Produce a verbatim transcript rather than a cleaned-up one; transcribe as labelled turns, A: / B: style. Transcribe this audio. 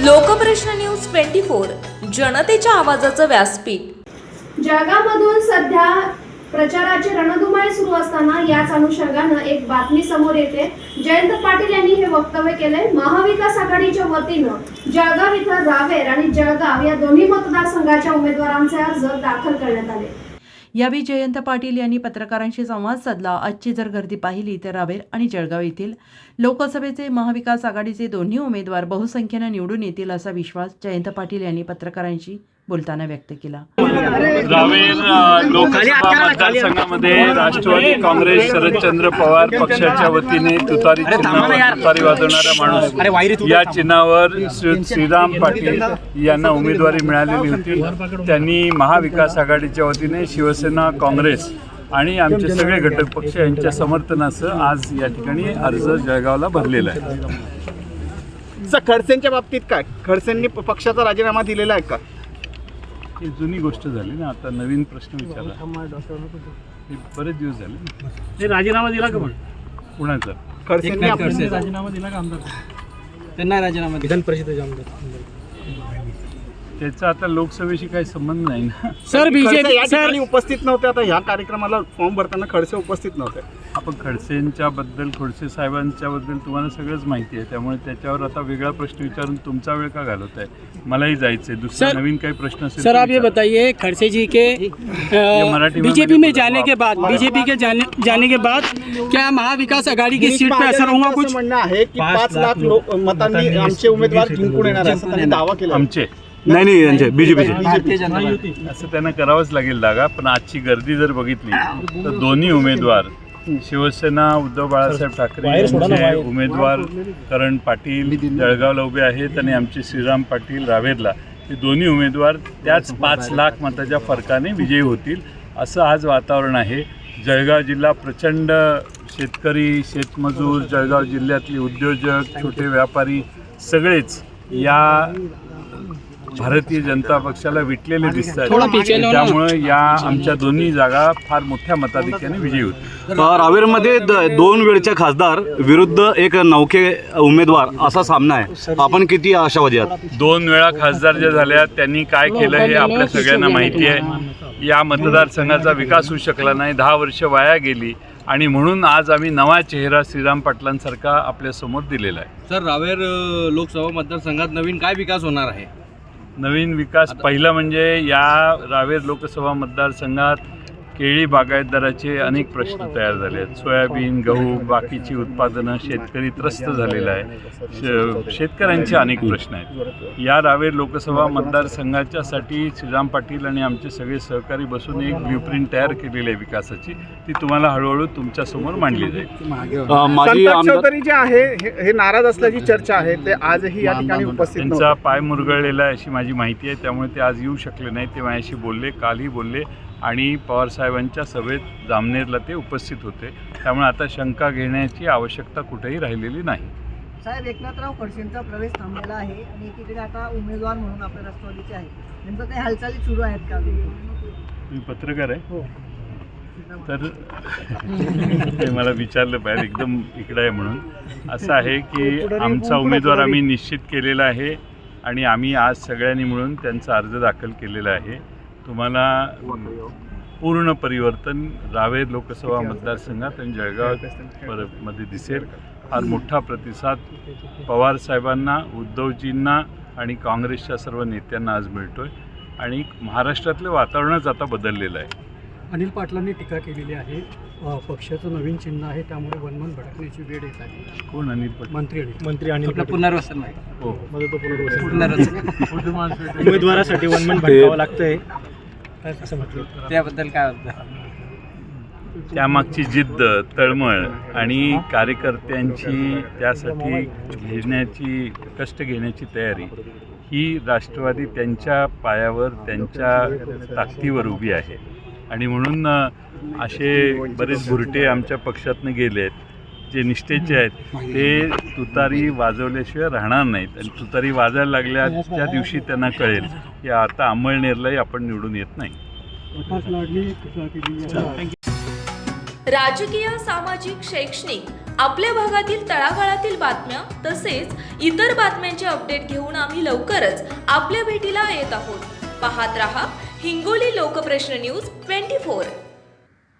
A: लोकप्रश्न news twenty four जनतेच्या आवाजाचं व्यासपीठ।
B: जळगावमधून सध्या प्रचाराची रणधुमाळी सुरू असताना याच अनुषंगानं एक बातमी समोर येते। जयंत पाटील यांनी हे वक्तव्य केले। महाविकास आघाडीच्या वतीनं जळगाव इथं रावेर आणि जळगाव या दोन्ही मतदारसंघाच्या उमेदवारांचे अर्ज दाखल करण्यात आले।
C: यावेळी जयंत पाटील यांनी पत्रकारांशी संवाद साधला। आजची जर गर्दी पाहिली तर रावेर आणि जळगाव येथील लोकसभेचे महाविकास आघाडीचे दोन्ही उमेदवार बहुसंख्येने निवडून येतील असा विश्वास जयंत पाटील यांनी पत्रकारांशी बोलताना व्यक्त केला।
D: रावेर लोकसभा मतदारसंघामध्ये राष्ट्रवादी काँग्रेस शरदचंद्र पवार पक्षाच्या वतीने तुतारी चिन्हावर तुतारी वाजवणारा माणूस या चिन्हावर श्रीराम पाटील यांना उमेदवारी मिळालेली होती। त्यांनी महाविकास आघाडीच्या वतीने शिवसेना, काँग्रेस आणि आमचे सगळे घटक पक्ष यांच्या समर्थनासह आज या ठिकाणी अर्ज जळगावला भरलेला आहे।
E: सर, खडसेंच्या बाबतीत काय, खडसेंनी पक्षाचा राजीनामा दिलेला आहे का?
D: ही जुनी गोष्ट झाली ना, आता नवीन प्रश्न विचारला। हे बरेच दिवस झाले।
F: ते राजीनामा दिला का? पण
D: कुणाचा?
E: खडसेंनी आपला
F: राजीनामा दिला का आमदार? त्यांना राजीनामा विधान परिषदेचे आमदार
D: त्याचा आता लोकसभेशी काही संबंध नाही ना।
F: सर, बीजेपी
E: या ठिकाणी उपस्थित नव्हते। आता ह्या कार्यक्रमाला फॉर्म भरताना खडसे उपस्थित नव्हते।
D: आपण खडसेंच्या बद्दल, खडसे साहेबांच्या बद्दल तुम्हाला सगळंच माहिती आहे, त्यामुळे त्याच्यावर आता वेगळा प्रश्न विचारून तुमचा वेळ का घालवत आहे? मलाही जायचंय। दुसरा नवीन काही प्रश्न असेल
F: सर, आप ये बताइए, खड़से जी के बीजेपी में जाने के बाद बीजेपी के जाने जाने के बाद क्या महाविकास आघाड़ी की सीट पे असर होगा? कुछ
E: म्हणणं आहे की पाच लाख लोक मतांनी आमचे उमेदवार जिंकून येणार असं त्यांनी दावा केला।
D: आमचे
G: नाही नाही यांचे बीजेपीचे
D: असं त्यांना करावंच लागेल दागा। पण आजची गर्दी जर बघितली तर दोन्ही उमेदवार शिवसेना उद्धव बाळासाहेब ठाकरे यांचे उमेदवार करण पाटील जळगावला उभे आहेत आणि आमचे श्रीराम पाटील रावेरला, हे दोन्ही उमेदवार त्याच पाच लाख मताच्या फरकाने विजयी होतील असं आज वातावरण आहे। जळगाव जिल्हा प्रचंड शेतकरी, शेतमजूर, जळगाव जिल्ह्यातले उद्योजक, छोटे व्यापारी सगळेच या भारतीय जनता पक्षाला विटलेले दिसतात। त्यामुळे या आमच्या दोन्ही जागा फार मोठ्या मताधिक्याने विजयी होतील।
G: रावेरमध्ये दोन वेळचे खासदार विरुद्ध एक नौके उमेदवार असा सामना आहे, आपण किती आशावादी आहात?
D: दोन वेळा खासदार जे झाल्या त्यांनी काय केलं हे आपल्या सगळ्यांना माहिती आहे। या मतदारसंघाचा विकास होऊ शकला नाही, दहा वर्ष वाया गेली आणि म्हणून आज आम्ही नवा चेहरा श्रीराम पाटलांसारखा आपल्या समोर दिलेला आहे।
H: सर, रावेर लोकसभा मतदारसंघात नवीन काय विकास होणार आहे?
D: नवीन विकास पहिला म्हणजे या रावेर लोकसभा मतदारसंघात केळी बागायतदाराचे अनेक प्रश्न तयार झाले आहेत। सोयाबीन, गहू, बाकीची उत्पादनं, शेतकरी त्रस्त झालेला आहे। शेतकऱ्यांचे अनेक प्रश्न आहेत। या रावेर लोकसभा मतदारसंघाच्यासाठी श्रीराम पाटील आणि आमचे सगळे सहकारी बसून एक ब्ल्यूप्रिंट तयार केलेली आहे विकासाची, ती तुम्हाला हळूहळू तुमच्यासमोर मांडली जाईल।
E: संपत चौधरी जे आहे हे नाराज असल्याची चर्चा आहे, ते आजही या ठिकाणी उपस्थित नव्हते।
D: त्यांचा पाय मुरगळलेला आहे अशी माझी माहिती आहे, त्यामुळे ते आज येऊ शकले नाही। ते माझ्याशी बोलले, कालही बोलले आणि पवारसाहेबांच्या सभेत जामनेरला ते उपस्थित होते। त्यामुळे आता शंका घेण्याची आवश्यकता कुठेही राहिलेली नाही।
I: साहेब, एकनाथराव खडसेंचा प्रवेश थांबलेला आहे आणि एकीकडे आता उमेदवार म्हणून आपल्या राष्ट्रवादीचे आहे, नेमकं काही हालचाली सुरू आहेत का?
D: तुम्ही पत्रकार आहे तर ते मला विचारलं पाहिजे, एकदम इकडे आहे म्हणून। असं आहे की आमचा उमेदवार आम्ही निश्चित केलेला आहे आणि आम्ही आज सगळ्यांनी मिळून त्यांचा अर्ज दाखल केलेला आहे। तुम्हाला पूर्ण परिवर्तन रावेर लोकसभा मतदारसंघात आणि जळगाव मध्ये दिसेल। फार मोठा प्रतिसाद पवार साहेबांना, उद्धवजींना आणि काँग्रेसच्या सर्व नेत्यांना आज मिळतोय आणि महाराष्ट्रातलं वातावरणच आता बदललेलं आहे।
F: अनिल पाटलांनी टीका केलेली आहे, पक्षाचं नवीन चिन्ह आहे त्यामुळे वनमन भडकण्याची वेळ येत आहे।
D: कोण अनिल पाटील?
F: मंत्री मंत्री अनिल पुनर्वसन नाही
D: हो
F: पुनर्वसन उमेदवारासाठी वनमन भडकावं लागतंय असं म्हटलं, त्याबद्दल काय होतं?
D: त्यामागची जिद्द, तळमळ आणि कार्यकर्त्यांची त्यासाठी घेण्याची, कष्ट घेण्याची तयारी ही राष्ट्रवादी त्यांच्या पायावर, त्यांच्या ताकदीवर उभी आहे आणि म्हणून असे बरेच भुरटे आमच्या पक्षातनं गेले आहेत जे निष्ठेचे आहेत, ते तुतारी वाजवल्याशिवाय राहणार नाहीत आणि तुतारी वाजायला लागल्या त्या दिवशी त्यांना कळेल की आता अंमळनेरलाही आपण निवडून येत नाही।
A: राजकीय, सामाजिक, शैक्षणिक आपल्या भागातील तळागाळातील बातम्या तसेच इतर बातम्यांचे अपडेट घेऊन आम्ही लवकरच आपल्या भेटीला येत आहोत. पाहत रहा Hingoli Lokprashna news twenty four.